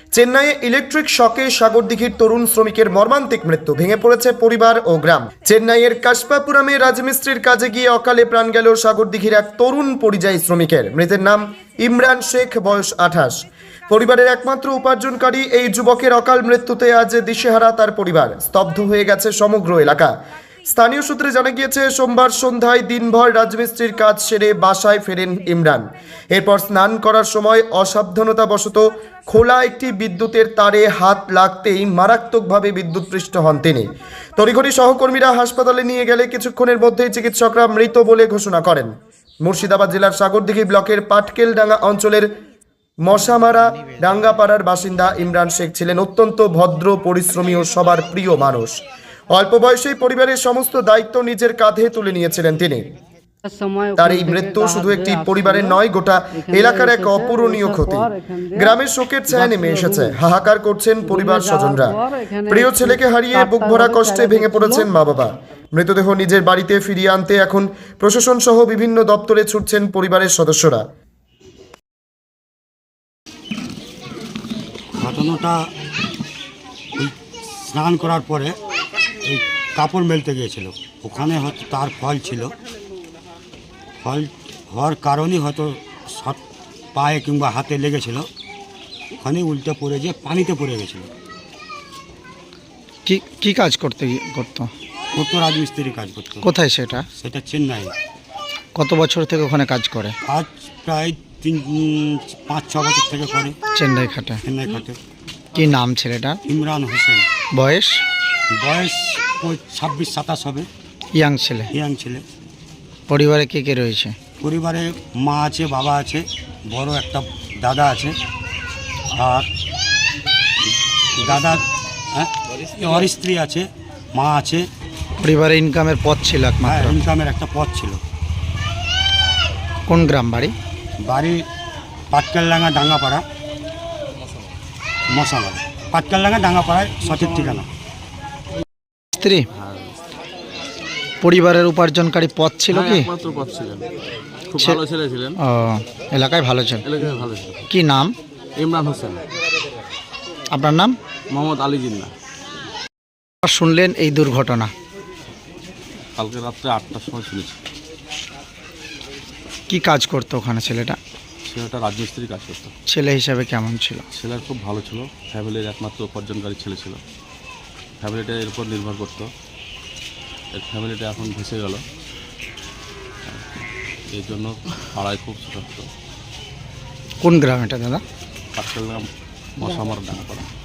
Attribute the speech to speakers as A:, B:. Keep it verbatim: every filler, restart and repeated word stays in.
A: চেন্নাইয়ে ইলেকট্রিক শকে সাগরদিঘির তরুণ শ্রমিকের মর্মান্তিক মৃত্যু, ভেঙে পড়েছে পরিবার ও গ্রাম। চেন্নাইয়ের কাশপাপুরামে রাজমিস্ত্রির কাজে গিয়ে অকালে প্রাণ গেল সাগরদিঘির এক তরুণ পরিযায়ী শ্রমিকের। মৃতের নাম ইমরান শেখ, বয়স আঠাশ। পরিবারের একমাত্র উপার্জনকারী এই যুবকের অকাল মৃত্যুতে আজ দিশেহারা তার পরিবার। স্তব্ধ হয়ে গেছে সমগ্র এলাকা। স্থানীয় সূত্রে জানা গিয়েছে, সোমবার সন্ধ্যায় দিনভর রাজমিস্ত্রির কাজ সেরে বাসায় ফেরেন ইমরান। এরপর স্নান করার সময় অসাবধানতাবশত খোলা একটি বিদ্যুতের তারে হাত লাগতেই মারাত্মকভাবে বিদ্যুৎপৃষ্ট হন তিনি। তড়িঘড়ি সহকর্মীরা হাসপাতালে নিয়ে গেলে কিছুক্ষণের মধ্যেই চিকিৎসকরা মৃত বলে ঘোষণা করেন। মুর্শিদাবাদ জেলার সাগরদিঘি ব্লকের পাটকেলডাঙ্গা অঞ্চলের মশামারা ডাঙ্গাপাড়ার বাসিন্দা ইমরান শেখ ছিলেন অত্যন্ত ভদ্র, পরিশ্রমী ও সবার প্রিয় মানুষ। অল্প বয়সেই পরিবারের সমস্ত দায়িত্ব নিজের কাঁধে তুলে নিয়েছিলেন তিনি। তার এই মৃত্যু শুধু একটি পরিবারের নয়, গোটা এলাকার এক অপূরণীয় ক্ষতি। গ্রামের শোকের ছায়া নেমে এসেছে, হাহাকার করছেন পরিবার স্বজনরা। প্রিয় ছেলেকে হারিয়ে বুক ভরা কষ্টে ভেঙে পড়েছেন মা বাবা। মৃতদেহ নিজের বাড়িতে ফিরিয়ে আনতে এখন প্রশাসন সহ বিভিন্ন দপ্তরে ছুটছেন পরিবারের সদস্যরা।
B: ঘটনাটা স্নান করার পরে এই কাপড় মেলতে গিয়েছিল, ওখানে হয়তো তার ফল ছিল, ফল হওয়ার কারণেই হয়তো শট পায়ে কিংবা হাতে লেগেছিল, ওখানে উল্টে পড়ে গিয়ে পানিতে পড়ে গেছিল।
C: কি কি কাজ করতে করতো?
B: কত রাজমিস্ত্রি কাজ করতো।
C: কোথায় সেটা?
B: সেটা চেন্নাই।
C: কত বছর থেকে ওখানে কাজ করে?
B: কাজ প্রায় তিন পাঁচ ছ বছর থেকে করে
C: চেন্নাই খাটে।
B: চেন্নাই খাটে।
C: কি নাম ছেলেটা?
B: ইমরান হোসেন।
C: বয়স?
B: বয়স ছাব্বিশ সাতাশ হবে।
C: ইয়াং ছেলে?
B: ইয়াং ছেলে।
C: পরিবারে কে কে রয়েছে?
B: পরিবারে মা আছে, বাবা আছে, বড় একটা দাদা আছে, আর দাদা ওর স্ত্রী আছে, মা আছে।
C: পরিবারে ইনকামের পথ ছিল
B: হ্যাঁ,
C: একমাত্র?
B: ইনকামের একটা পথ ছিল।
C: কোন গ্রাম বাড়ি?
B: বাড়ি পাটকেলডাঙ্গা ডাঙ্গাপাড়া, মশামারা। পাটকেলডাঙ্গা ডাঙ্গাপাড়ায় সঠিক ঠিকানা।
C: স্ত্রী পরিবারের উপার্জনকারী পথ ছিল কি?
D: একমাত্র পথ ছিলেন, খুব ভালো ছেলে ছিলেন।
C: ও, এলাকায় ভালো ছিল।
D: এলাকায় ভালো ছিল।
C: কি নাম?
D: ইমরান হোসেন।
C: আপনার নাম?
D: মোহাম্মদ আলী জিন্না।
C: শুনলেন এই দুর্ঘটনা?
D: কালকে রাত্রে আটটার সময় শুনেছি।
C: কি কাজ করতো ওখানে ছেলেটা?
D: ছেলেটা রাজমিস্ত্রি কাজ করতো।
C: ছেলে হিসাবে কেমন ছিল?
D: ছেলের খুব ভালো ছিল, ফ্যামিলির একমাত্র উপার্জনকারী ছেলে ছিল। ফ্যামিলিটা এর উপর নির্ভর করতো। এর ফ্যামিলিটা এখন ভেসে গেল, এই জন্য পাড়ায় খুব ছোট।
C: কোন গ্রাম এটা দাদা?
D: পাটকেলডাঙ্গা মশামারা ডাঙ্গাপাড়া।